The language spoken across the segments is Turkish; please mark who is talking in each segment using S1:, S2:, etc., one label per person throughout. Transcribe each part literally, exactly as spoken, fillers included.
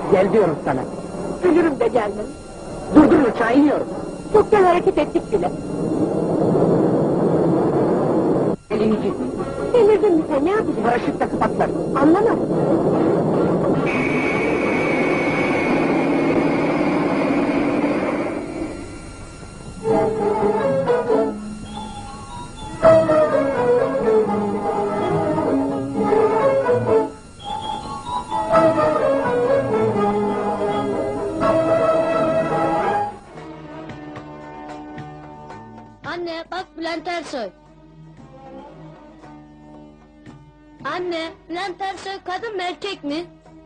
S1: Gel diyorum sana.
S2: Ölürüm de gelmem.
S1: Durdur uçağı, iniyorum.
S2: Çoktan hareket ettik bile.
S1: Elini git.
S2: Delirdin mi sen, ne yapacaksın?
S1: Paraşütle patlar.
S2: Anlamadım.
S3: Anne bak Bülent Ersoy. Anne, Bülent Ersoy kadın mı erkek mi?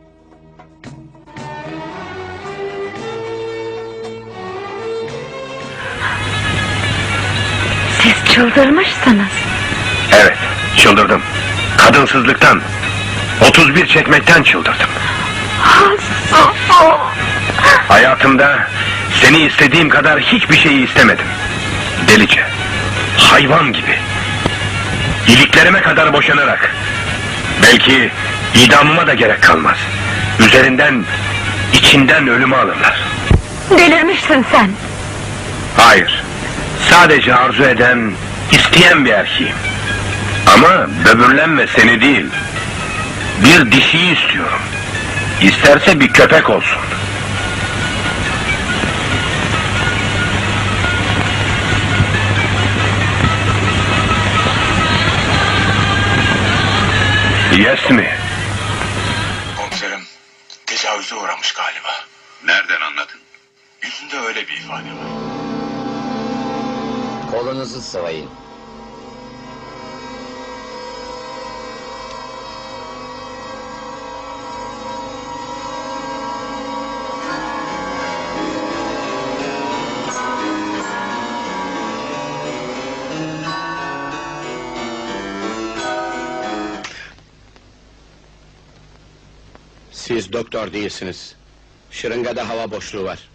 S4: Siz çıldırmışsınız.
S5: Evet, çıldırdım. Kadınsızlıktan, otuz bir çekmekten çıldırdım. Hayatımda seni istediğim kadar hiçbir şeyi istemedim. Delice, hayvan gibi. İliklerime kadar boşanarak. Belki idamıma da gerek kalmaz. Üzerinden, içinden ölümü alırlar.
S4: Delirmişsin sen.
S5: Hayır, sadece arzu eden, isteyen bir erkeğim. Ama böbürlenme seni değil, bir dişiyi istiyorum. İsterse bir köpek olsun. Yes mi?
S6: Komiserim, tecavüze uğramış galiba.
S7: Nereden anladın?
S6: Yüzünde öyle bir ifade var.
S8: Kolunuzu sıvayın.
S9: Siz doktor değilsiniz. Şırıngada hava boşluğu var.